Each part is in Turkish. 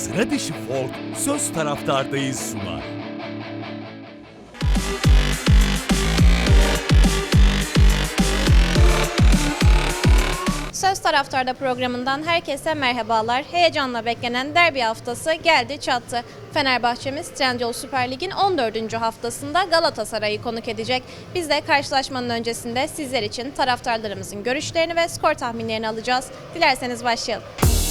Sıra dışı folk Söz Taraftardayız sunar. Söz Taraftar'da programından herkese merhabalar. Heyecanla beklenen derbi haftası geldi çattı. Fenerbahçemiz Trendyol Süper Lig'in 14. haftasında Galatasaray'ı konuk edecek. Biz de karşılaşmanın öncesinde sizler için taraftarlarımızın görüşlerini ve skor tahminlerini alacağız. Dilerseniz başlayalım.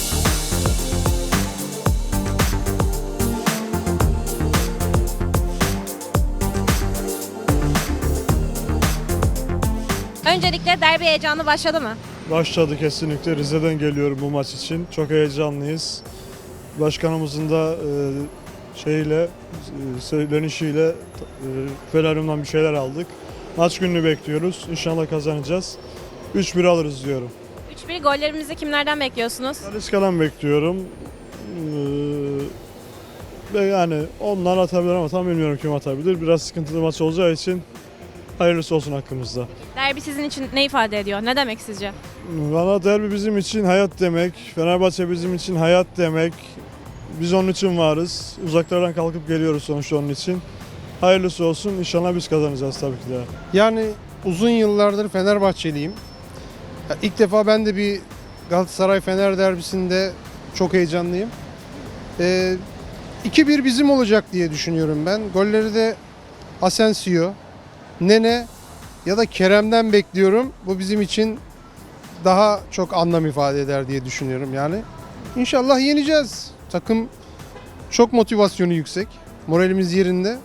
Öncelikle derbi heyecanı başladı mı? Başladı kesinlikle. Rize'den geliyorum bu maç için. Çok heyecanlıyız. Başkanımızın da söylenişiyle Fenerim'den bir şeyler aldık. Maç gününü bekliyoruz. İnşallah kazanacağız. 3-1 alırız diyorum. 3-1 gollerimizi kimlerden bekliyorsunuz? Talisca'dan bekliyorum. Ve yani onlar atabilir ama tam bilmiyorum kim atabilir. Biraz sıkıntılı maç olacağı için hayırlısı olsun hakkımızda. Derbi sizin için ne ifade ediyor? Ne demek sizce? Valla derbi bizim için hayat demek. Fenerbahçe bizim için hayat demek. Biz onun için varız. Uzaklardan kalkıp geliyoruz sonuçta onun için. Hayırlısı olsun. İnşallah biz kazanacağız tabii ki de. Yani uzun yıllardır Fenerbahçeliyim. İlk defa ben de bir Galatasaray-Fener derbisinde çok heyecanlıyım. 2-1 bizim olacak diye düşünüyorum ben. Golleri de Asensio, Nene ya da Kerem'den bekliyorum. Bu bizim için daha çok anlam ifade eder diye düşünüyorum yani. İnşallah yeneceğiz. Takım çok motivasyonu yüksek. Moralimiz yerinde.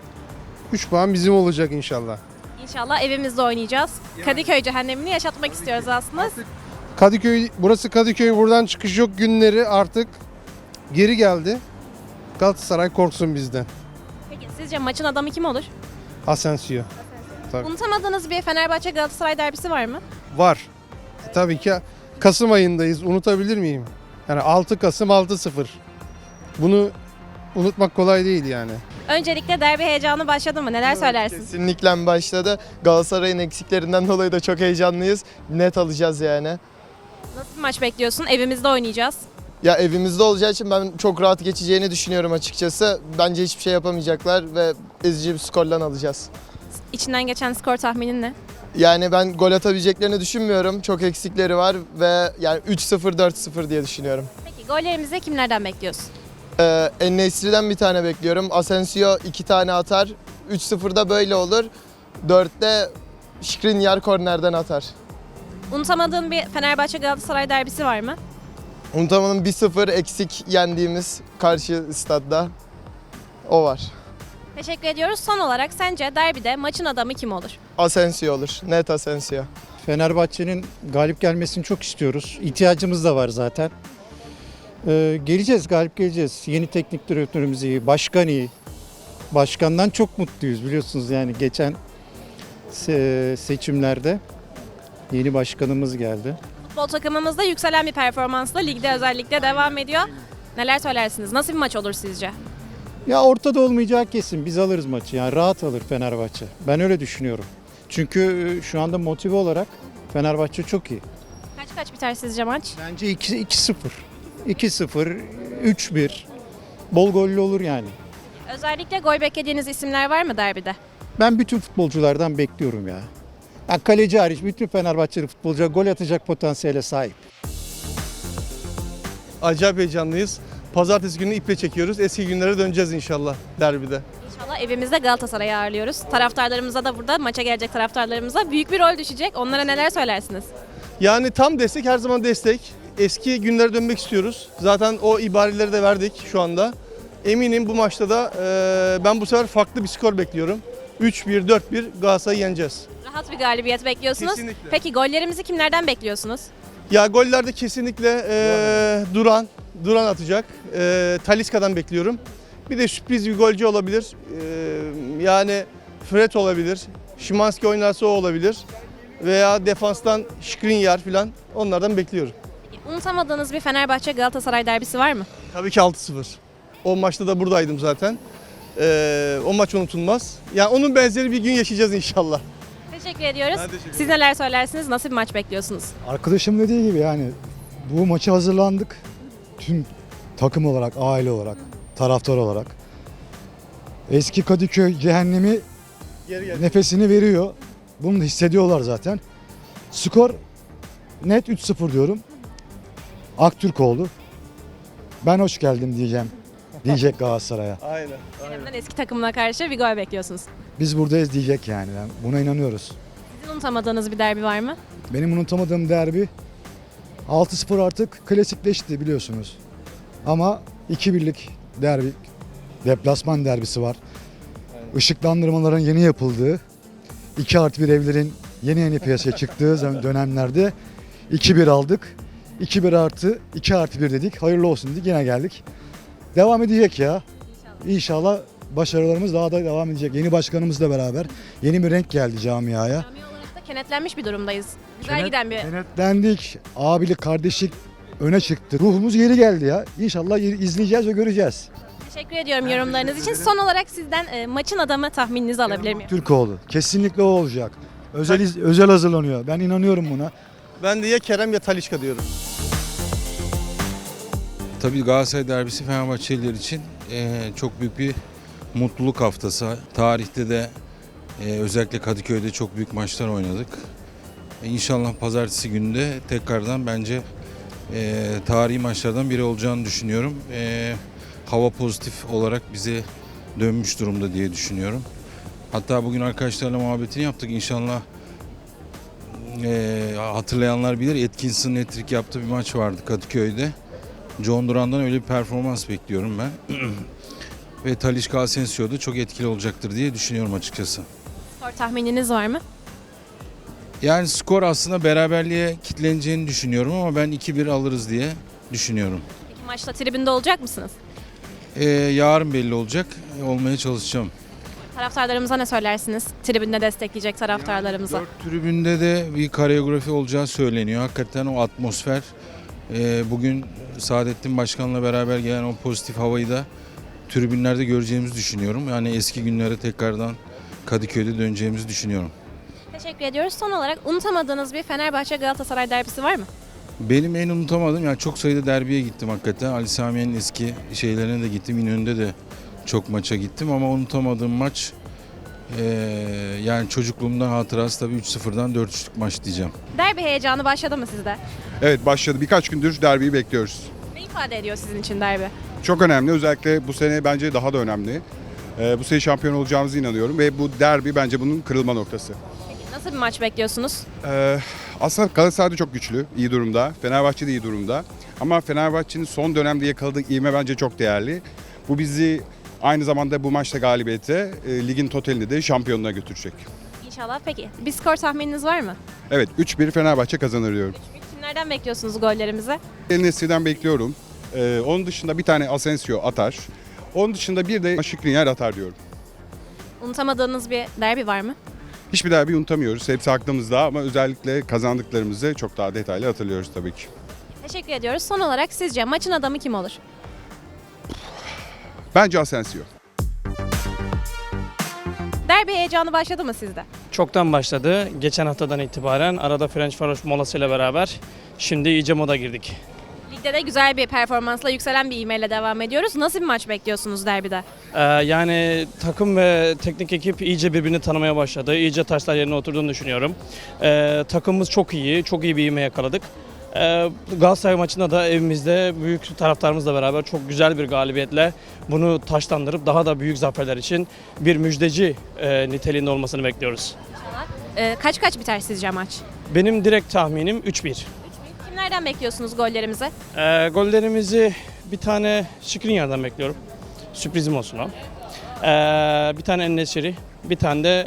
3 puan bizim olacak inşallah. İnşallah evimizde oynayacağız. Kadıköy cehennemini yaşatmak istiyoruz aslında. Burası Kadıköy, buradan çıkış yok günleri artık geri geldi. Galatasaray korksun bizden. Peki sizce maçın adamı kim olur? Asensio. Tabii. Unutamadığınız bir Fenerbahçe Galatasaray derbisi var mı? Var. Tabii ki Kasım ayındayız. Unutabilir miyim? Yani 6 Kasım 6-0. Bunu unutmak kolay değil yani. Öncelikle derbi heyecanı başladı mı? Neler söylersin? Kesinlikle başladı. Galatasaray'ın eksiklerinden dolayı da çok heyecanlıyız. Net alacağız yani. Nasıl bir maç bekliyorsun? Evimizde oynayacağız. Ya evimizde olacağı için ben çok rahat geçeceğini düşünüyorum açıkçası. Bence hiçbir şey yapamayacaklar ve ezici bir skorla alacağız. İçinden geçen skor tahminin ne? Yani ben gol atabileceklerini düşünmüyorum. Çok eksikleri var ve yani 3-0 4-0 diye düşünüyorum. Peki gollerimizi kimlerden bekliyorsun? En-Nesyri'den bir tane bekliyorum. Asensio 2 tane atar. 3-0'da böyle olur. 4'te Skriniar kornerden atar. Unutamadığın bir Fenerbahçe Galatasaray derbisi var mı? Unutamanın 1-0 eksik yendiğimiz karşı stadda o var. Teşekkür ediyoruz. Son olarak sence derbide maçın adamı kim olur? Asensio olur. Net Asensio. Fenerbahçe'nin galip gelmesini çok istiyoruz. İhtiyacımız da var zaten. Geleceğiz, galip geleceğiz. Yeni teknik direktörümüz iyi, başkan iyi. Başkandan çok mutluyuz biliyorsunuz yani geçen seçimlerde yeni başkanımız geldi. Futbol takımımızda yükselen bir performansla ligde özellikle devam ediyor. Neler söylersiniz? Nasıl bir maç olur sizce? Ya ortada olmayacağı kesin. Biz alırız maçı. Yani rahat alır Fenerbahçe. Ben öyle düşünüyorum. Çünkü şu anda motive olarak Fenerbahçe çok iyi. Kaç biter sizce maç? Bence 2-0. 2-0, 3-1. Bol gollü olur yani. Özellikle gol beklediğiniz isimler var mı derbide? Ben bütün futbolculardan bekliyorum ya. Yani kaleci hariç bütün Fenerbahçeli futbolcular gol atacak potansiyele sahip. Acayip heyecanlıyız. Pazartesi günü iple çekiyoruz. Eski günlere döneceğiz inşallah derbide. İnşallah evimizde Galatasaray'ı ağırlıyoruz. Taraftarlarımıza da burada maça gelecek taraftarlarımıza büyük bir rol düşecek. Onlara neler söylersiniz? Yani tam destek, her zaman destek. Eski günlere dönmek istiyoruz. Zaten o ibareleri de verdik şu anda. Eminim bu maçta da ben bu sefer farklı bir skor bekliyorum. 3-1, 4-1 Galatasaray'ı yeneceğiz. Rahat bir galibiyet bekliyorsunuz. Kesinlikle. Peki gollerimizi kimlerden bekliyorsunuz? Ya gollerde kesinlikle Duran atacak. Talisca'dan bekliyorum. Bir de sürpriz bir golcü olabilir. Yani Fred olabilir. Szymański oynarsa o olabilir. Veya defanstan Skriniar falan onlardan bekliyorum. Unutamadığınız bir Fenerbahçe Galatasaray derbisi var mı? Tabii ki 6-0. O maçta da buradaydım zaten. O maç unutulmaz. Yani onun benzeri bir gün yaşayacağız inşallah. Teşekkür ediyoruz. Ben teşekkür ederim. Siz neler söylersiniz? Nasıl bir maç bekliyorsunuz? Arkadaşım dediği gibi yani bu maça hazırlandık. Tüm takım olarak, aile olarak, taraftar olarak. Eski Kadıköy cehennemi nefesini veriyor. Bunu da hissediyorlar zaten. Skor net 3-0 diyorum. Aktürkoğlu. Ben hoş geldim diyeceğim. Diyecek Galatasaray'a. Aynen. Kerem'den eski takımına karşı bir gol bekliyorsunuz. Biz buradayız diyecek yani. Buna inanıyoruz. Sizin unutamadığınız bir derbi var mı? Benim unutamadığım derbi 6-0 artık klasikleşti biliyorsunuz. Ama 2-1'lik derbi, deplasman derbisi var. Işıklandırmaların yeni yapıldığı, 2+1 evlerin yeni piyasaya çıktığı dönemlerde 2-1 aldık. 2-1 artı 2+1 dedik. Hayırlı olsun dedik. Yine geldik. Devam edecek ya. İnşallah başarılarımız daha da devam edecek. Yeni başkanımızla beraber yeni bir renk geldi camiaya. Cami olarak da kenetlenmiş bir durumdayız. Güzel giden bir... Kenetlendik. Abilik, kardeşlik öne çıktı. Ruhumuz geri geldi ya. İnşallah izleyeceğiz ve göreceğiz. Teşekkür ediyorum yorumlarınız için. Son olarak sizden maçın adamı tahmininizi alabilir miyim? Türkoğlu. Kesinlikle o olacak. Özel hazırlanıyor. Ben inanıyorum buna. Ben de ya Kerem ya Talisca diyorum. Tabii Galatasaray derbisi Fenerbahçeliler için çok büyük bir mutluluk haftası. Tarihte de özellikle Kadıköy'de çok büyük maçlar oynadık. İnşallah pazartesi günü de tekrardan bence tarihi maçlardan biri olacağını düşünüyorum. Hava pozitif olarak bize dönmüş durumda diye düşünüyorum. Hatta bugün arkadaşlarla muhabbetini yaptık. İnşallah hatırlayanlar bilir, Atkinson'ın hat-trick yaptığı bir maç vardı Kadıköy'de. John Duran'dan öyle bir performans bekliyorum ben. Ve Talisca Asensio da çok etkili olacaktır diye düşünüyorum açıkçası. Skor tahmininiz var mı? Yani skor aslında beraberliğe kitleneceğini düşünüyorum ama ben 2-1 alırız diye düşünüyorum. Peki maçta tribünde olacak mısınız? Yarın belli olacak. Olmaya çalışacağım. Taraftarlarımıza ne söylersiniz? Tribünde destekleyecek taraftarlarımıza. Tribünde de bir koreografi olacağı söyleniyor. Hakikaten o atmosfer, bugün Saadettin Başkan'la beraber gelen o pozitif havayı da tribünlerde göreceğimizi düşünüyorum. Yani eski günlere tekrardan Kadıköy'de döneceğimizi düşünüyorum. Teşekkür ediyoruz. Son olarak unutamadığınız bir Fenerbahçe Galatasaray derbisi var mı? Benim en unutamadığım, yani çok sayıda derbiye gittim hakikaten. Ali Samiye'nin eski şeylerine de gittim. İnönü'nde de çok maça gittim ama unutamadığım maç yani çocukluğumdan hatırası tabii 3-0'dan 4-3'lük maç diyeceğim. Derbi heyecanı başladı mı sizde? Evet başladı. Birkaç gündür derbiyi bekliyoruz. Ne ifade ediyor sizin için derbi? Çok önemli. Özellikle bu sene bence daha da önemli. Bu sene şampiyon olacağımıza inanıyorum ve bu derbi bence bunun kırılma noktası. Peki nasıl bir maç bekliyorsunuz? Aslında Galatasaray da çok güçlü, iyi durumda. Fenerbahçe de iyi durumda. Ama Fenerbahçe'nin son dönemde yakaladığı ivme bence çok değerli. Bu bizi aynı zamanda bu maçta galibiyete ligin totalini de şampiyonluğa götürecek. İnşallah. Peki bir skor tahmininiz var mı? Evet 3-1 Fenerbahçe kazanır diyorum. Kimlerden bekliyorsunuz gollerimizi? El Nesri'den bekliyorum. Onun dışında bir tane Asensio atar. Onun dışında bir de Skriniar atar diyorum. Unutamadığınız bir derbi var mı? Hiçbir derbi unutamıyoruz. Hepsi aklımızda ama özellikle kazandıklarımızı çok daha detaylı hatırlıyoruz tabii ki. Teşekkür ediyoruz. Son olarak sizce maçın adamı kim olur? Bence Asensio. Derbi heyecanı başladı mı sizde? Çoktan başladı. Geçen haftadan itibaren arada French Faroş molasıyla beraber şimdi iyice moda girdik. Ligde de güzel bir performansla yükselen bir ivmeyle devam ediyoruz. Nasıl bir maç bekliyorsunuz derbide? Yani takım ve teknik ekip iyice birbirini tanımaya başladı. İyice taşlar yerine oturduğunu düşünüyorum. Takımımız çok iyi, çok iyi bir ivme yakaladık. Galatasaray maçında da evimizde büyük taraftarımızla beraber çok güzel bir galibiyetle bunu taşlandırıp daha da büyük zaferler için bir müjdeci niteliğinde olmasını bekliyoruz. Kaç biter sizce maç? Benim direkt tahminim 3-1. Kimlerden bekliyorsunuz gollerimizi? Gollerimizi bir tane Skriniar'dan bekliyorum. Sürprizim olsun o. Bir tane En-Nesyri, bir tane de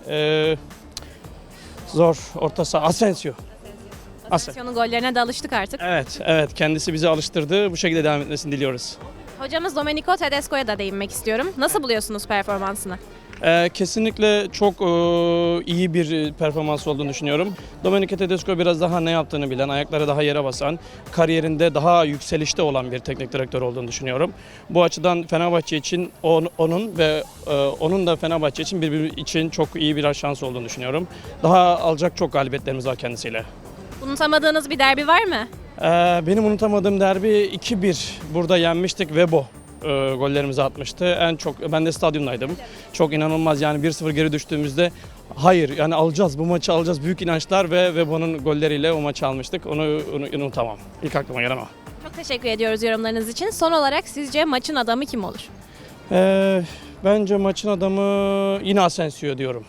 zor orta saha Asensio. Asensio'nun gollerine de alıştık artık. Evet kendisi bizi alıştırdı. Bu şekilde devam etmesini diliyoruz. Hocamız Domenico Tedesco'ya da değinmek istiyorum. Nasıl buluyorsunuz performansını? Kesinlikle çok iyi bir performans olduğunu düşünüyorum. Domenico Tedesco biraz daha ne yaptığını bilen, ayakları daha yere basan, kariyerinde daha yükselişte olan bir teknik direktör olduğunu düşünüyorum. Bu açıdan Fenerbahçe için onun ve onun da Fenerbahçe için birbiri için çok iyi bir şans olduğunu düşünüyorum. Daha alacak çok galibiyetlerimiz var kendisiyle. Unutamadığınız bir derbi var mı? Benim unutamadığım derbi 2-1 burada yenmiştik. Webo gollerimizi atmıştı. En çok ben de stadyumdaydım. Çok inanılmaz yani 1-0 geri düştüğümüzde hayır yani alacağız bu maçı alacağız büyük inançlar ve Webo'nun golleriyle o maçı almıştık. Onu unutamam. İlk aklıma gelen o. Çok teşekkür ediyoruz yorumlarınız için. Son olarak sizce maçın adamı kim olur? Bence maçın adamı yine Asensio diyorum.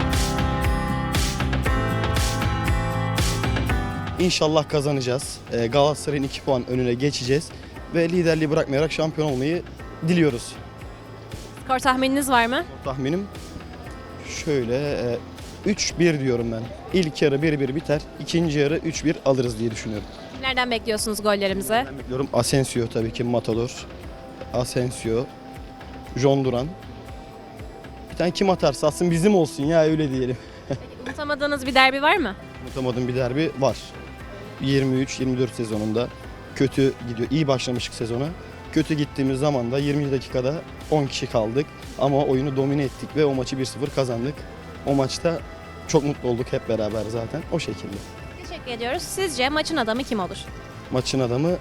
İnşallah kazanacağız. Galatasaray'ın 2 puan önüne geçeceğiz. Ve liderliği bırakmayarak şampiyon olmayı diliyoruz. Skor tahmininiz var mı? Tahminim şöyle 3-1 diyorum ben. İlk yarı 1-1 biter. İkinci yarı 3-1 alırız diye düşünüyorum. Nereden bekliyorsunuz gollerimizi? Ben bekliyorum Asensio tabii ki Matador. Asensio, John Duran. Bir tane kim atarsa atsın bizim olsun ya öyle diyelim. Unutamadığınız bir derbi var mı? Unutamadığım bir derbi var. 23-24 sezonunda kötü gidiyor. İyi başlamıştık sezona. Kötü gittiğimiz zaman da 20 dakikada 10 kişi kaldık. Ama oyunu domine ettik ve o maçı 1-0 kazandık. O maçta çok mutlu olduk hep beraber zaten o şekilde. Teşekkür ediyoruz. Sizce maçın adamı kim olur? Maçın adamı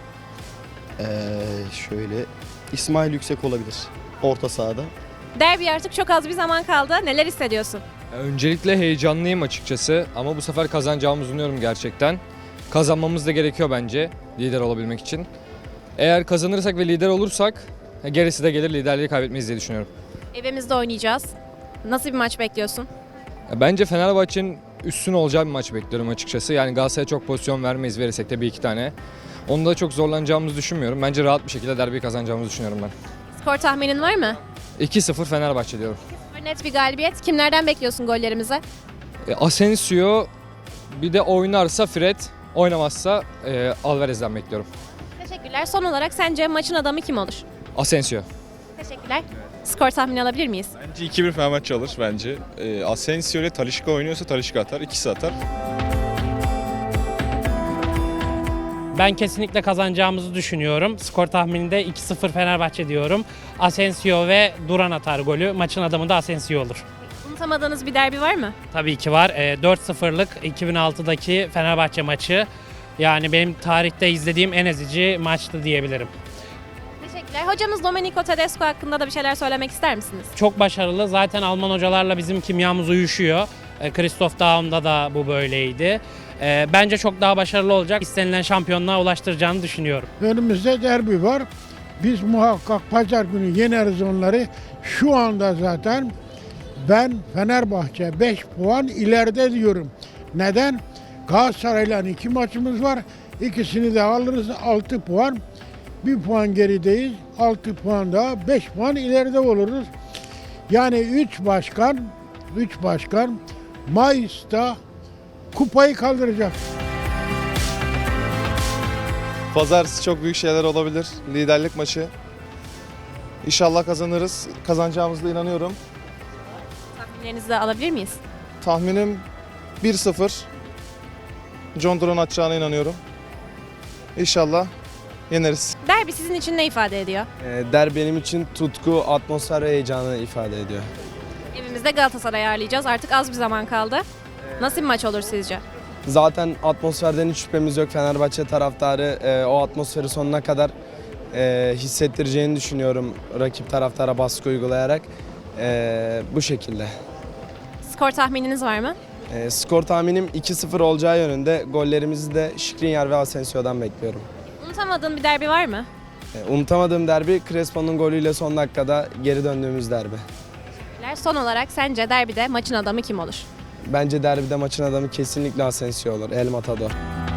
şöyle İsmail Yüksek olabilir orta sahada. Derbi artık çok az bir zaman kaldı. Neler hissediyorsun? Öncelikle heyecanlıyım açıkçası ama bu sefer kazanacağımızı umuyorum gerçekten. Kazanmamız da gerekiyor bence lider olabilmek için. Eğer kazanırsak ve lider olursak gerisi de gelir, liderliği kaybetmeyiz diye düşünüyorum. Evimizde oynayacağız. Nasıl bir maç bekliyorsun? Bence Fenerbahçe'nin üstün olacağı bir maç bekliyorum açıkçası. Yani Galatasaray'a çok pozisyon vermeyiz, verirsek de bir iki tane. Onda çok zorlanacağımızı düşünmüyorum. Bence rahat bir şekilde derbiyi kazanacağımızı düşünüyorum ben. Skor tahminin var mı? 2-0 Fenerbahçe diyorum. Net bir galibiyet. Kimlerden bekliyorsun gollerimizi? Asensio, bir de oynarsa Fred, oynamazsa Alvarez'den bekliyorum. Teşekkürler. Son olarak sence maçın adamı kim olur? Asensio. Teşekkürler. Skor tahmini alabilir miyiz? Bence 2-1 Fenerbahçe alır bence. Asensio ile Talisca oynuyorsa Talisca atar, ikisi atar. Ben kesinlikle kazanacağımızı düşünüyorum. Skor tahmininde 2-0 Fenerbahçe diyorum. Asensio ve Duran atar golü. Maçın adamı da Asensio olur. Unutamadığınız bir derbi var mı? Tabii ki var. 4-0'lık 2006'daki Fenerbahçe maçı. Yani benim tarihte izlediğim en ezici maçtı diyebilirim. Teşekkürler. Hocamız Domenico Tedesco hakkında da bir şeyler söylemek ister misiniz? Çok başarılı. Zaten Alman hocalarla bizim kimyamız uyuşuyor. Christoph Daum'da da bu böyleydi. Bence çok daha başarılı olacak. İstenilen şampiyonluğa ulaştıracağını düşünüyorum. Önümüzde derbi var. Biz muhakkak pazar günü yeneriz onları. Şu anda zaten ben Fenerbahçe 5 puan ileride diyorum. Neden? Galatasaray'la 2 maçımız var. İkisini de alırız 6 puan. 1 puan gerideyiz. 6 puan daha 5 puan ileride oluruz. Yani 3 başkan Mayıs'ta kupayı kaldıracak. Pazartesi çok büyük şeyler olabilir. Liderlik maçı. İnşallah kazanırız. Kazanacağımıza da inanıyorum. Tahminlerinizi de alabilir miyiz? Tahminim 1-0. John Duran atacağına inanıyorum. İnşallah yeneriz. Derbi sizin için ne ifade ediyor? Derbi benim için tutku, atmosfer ve heyecanı ifade ediyor. Evimizde Galatasaray'ı ağırlayacağız. Artık az bir zaman kaldı. Nasıl bir maç olur sizce? Zaten atmosferden hiç şüphemiz yok. Fenerbahçe taraftarı o atmosferi sonuna kadar hissettireceğini düşünüyorum rakip taraftara baskı uygulayarak. Bu şekilde. Skor tahmininiz var mı? Skor tahminim 2-0 olacağı yönünde. Gollerimizi de Skriniar ve Asensio'dan bekliyorum. Unutamadığın bir derbi var mı? Unutamadığım derbi Crespo'nun golüyle son dakikada geri döndüğümüz derbi. Son olarak sence derbide maçın adamı kim olur? Bence derbide maçın adamı kesinlikle Asensio olur. El Matador.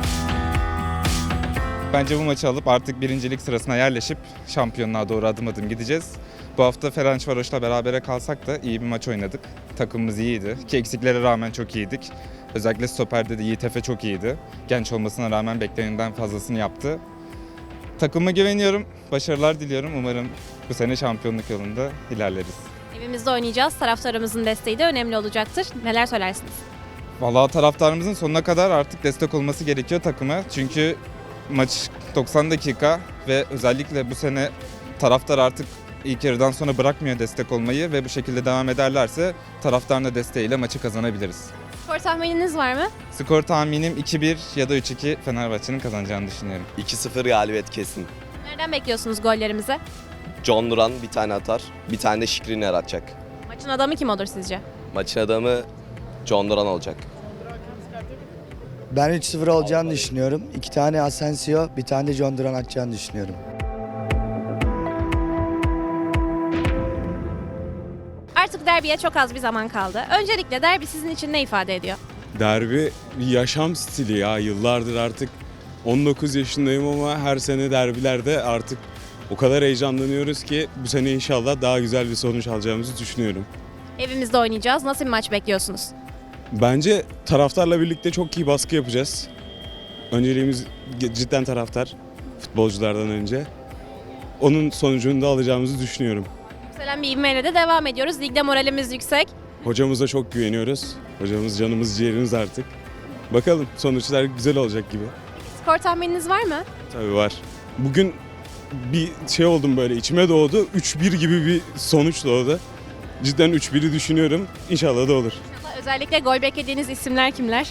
Bence bu maçı alıp artık birincilik sırasına yerleşip şampiyonluğa doğru adım adım gideceğiz. Bu hafta Ferencvaros'la berabere kalsak da iyi bir maç oynadık. Takımımız iyiydi ki eksiklere rağmen çok iyiydik. Özellikle stoperde de Yiğit Efe çok iyiydi. Genç olmasına rağmen beklenenden fazlasını yaptı. Takıma güveniyorum, başarılar diliyorum. Umarım bu sene şampiyonluk yolunda ilerleriz. Evimizde oynayacağız. Taraftarımızın desteği de önemli olacaktır. Neler söylersiniz? Vallahi taraftarımızın sonuna kadar artık destek olması gerekiyor takıma. Çünkü maç 90 dakika ve özellikle bu sene taraftar artık ilk yarıdan sonra bırakmıyor destek olmayı ve bu şekilde devam ederlerse taraftarın da desteğiyle maçı kazanabiliriz. Skor tahmininiz var mı? Skor tahminim 2-1 ya da 3-2 Fenerbahçe'nin kazanacağını düşünüyorum. 2-0 galibiyet kesin. Nereden bekliyorsunuz gollerimizi? John Duran bir tane atar, bir tane de Skriniar atacak. Maçın adamı kim olur sizce? Maçın adamı John Duran olacak. Ben 3-0 olacağını düşünüyorum. 2 tane Asensio, bir tane de John Duran atacağını düşünüyorum. Artık derbiye çok az bir zaman kaldı. Öncelikle derbi sizin için ne ifade ediyor? Derbi bir yaşam stili ya. Yıllardır artık 19 yaşındayım ama her sene derbilerde artık o kadar heyecanlanıyoruz ki bu sene inşallah daha güzel bir sonuç alacağımızı düşünüyorum. Evimizde oynayacağız. Nasıl bir maç bekliyorsunuz? Bence taraftarla birlikte çok iyi baskı yapacağız. Önceliğimiz cidden taraftar, futbolculardan önce. Onun sonucunu da alacağımızı düşünüyorum. Yükselen bir ivmeyle de devam ediyoruz. Ligde moralimiz yüksek. Hocamıza çok güveniyoruz. Hocamız canımız ciğerimiz artık. Bakalım sonuçlar güzel olacak gibi. Skor tahmininiz var mı? Tabii var. Bugün bir şey oldum böyle içime doğdu. 3-1 gibi bir sonuç doğdu. Cidden 3-1'i düşünüyorum. İnşallah da olur. Özellikle gol beklediğiniz isimler kimler?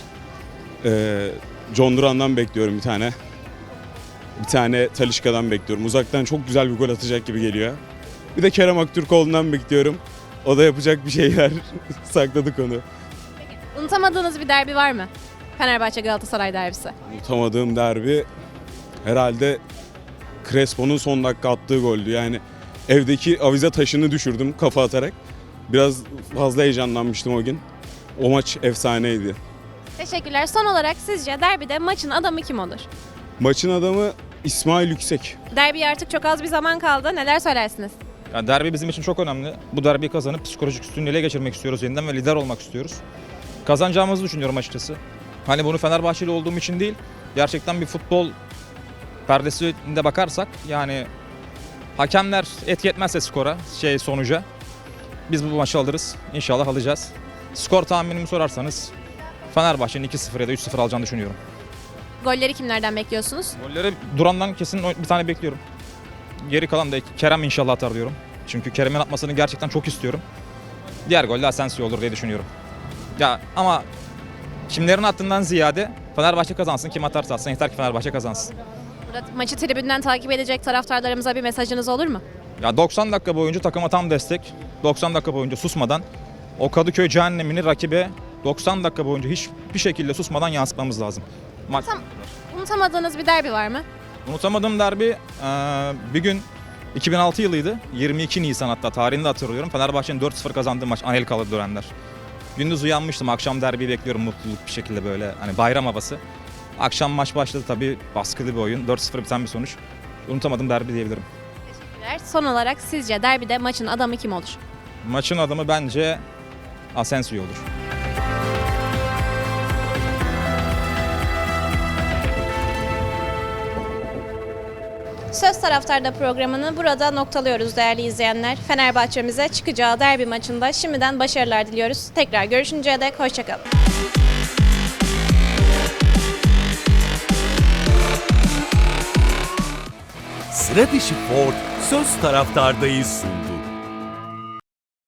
John Duran'dan bekliyorum bir tane. Bir tane Talisca'dan bekliyorum. Uzaktan çok güzel bir gol atacak gibi geliyor. Bir de Kerem Aktürkoğlu'ndan bekliyorum. O da yapacak bir şeyler. Sakladık onu. Unutamadığınız bir derbi var mı? Fenerbahçe Galatasaray derbisi. Unutamadığım derbi herhalde Crespo'nun son dakika attığı goldü. Yani evdeki avize taşını düşürdüm kafa atarak. Biraz fazla heyecanlanmıştım o gün. O maç efsaneydi. Teşekkürler. Son olarak sizce derbide maçın adamı kim olur? Maçın adamı İsmail Yüksek. Derbiye artık çok az bir zaman kaldı. Neler söylersiniz? Yani derbi bizim için çok önemli. Bu derbiyi kazanıp psikolojik üstünlüğü ele geçirmek istiyoruz yeniden ve lider olmak istiyoruz. Kazanacağımızı düşünüyorum açıkçası. Hani bunu Fenerbahçeli olduğum için değil, gerçekten bir futbol perdesinde bakarsak yani hakemler etki etmezse skora, sonuca biz bu maçı alırız. İnşallah alacağız. Skor tahminimi sorarsanız Fenerbahçe'nin 2-0 ya da 3-0 alacağını düşünüyorum. Golleri kimlerden bekliyorsunuz? Golleri Duran'dan kesin bir tane bekliyorum. Geri kalan da Kerem inşallah atar diyorum. Çünkü Kerem'in atmasını gerçekten çok istiyorum. Diğer gol de Asensio olur diye düşünüyorum. Ya ama kimlerin attığından ziyade Fenerbahçe kazansın. Kim atarsa atsın yeter ki Fenerbahçe kazansın. Burada maçı tribünden takip edecek taraftarlarımıza bir mesajınız olur mu? Ya 90 dakika boyunca takıma tam destek. 90 dakika boyunca susmadan o Kadıköy cehennemini rakibe 90 dakika boyunca hiçbir şekilde susmadan yansıtmamız lazım. Unutamadığınız bir derbi var mı? Unutamadığım derbi bir gün 2006 yılıydı. 22 Nisan hatta tarihini de hatırlıyorum. Fenerbahçe'nin 4-0 kazandığı maç Anelkalı dönemler. Gündüz uyanmıştım. Akşam derbiyi bekliyorum mutluluk bir şekilde böyle hani bayram havası. Akşam maç başladı tabii baskılı bir oyun. 4-0 biten bir sonuç. Unutamadığım derbi diyebilirim. Teşekkürler. Son olarak sizce derbide maçın adamı kim olur? Maçın adamı bence Asensio olur. Söz Taraftar'da programını burada noktalıyoruz değerli izleyenler. Fenerbahçe'mize çıkacağı derbi maçında şimdiden başarılar diliyoruz. Tekrar görüşünceye dek hoşçakalın. Sıra dışı Ford Söz Taraftar'dayız sundu.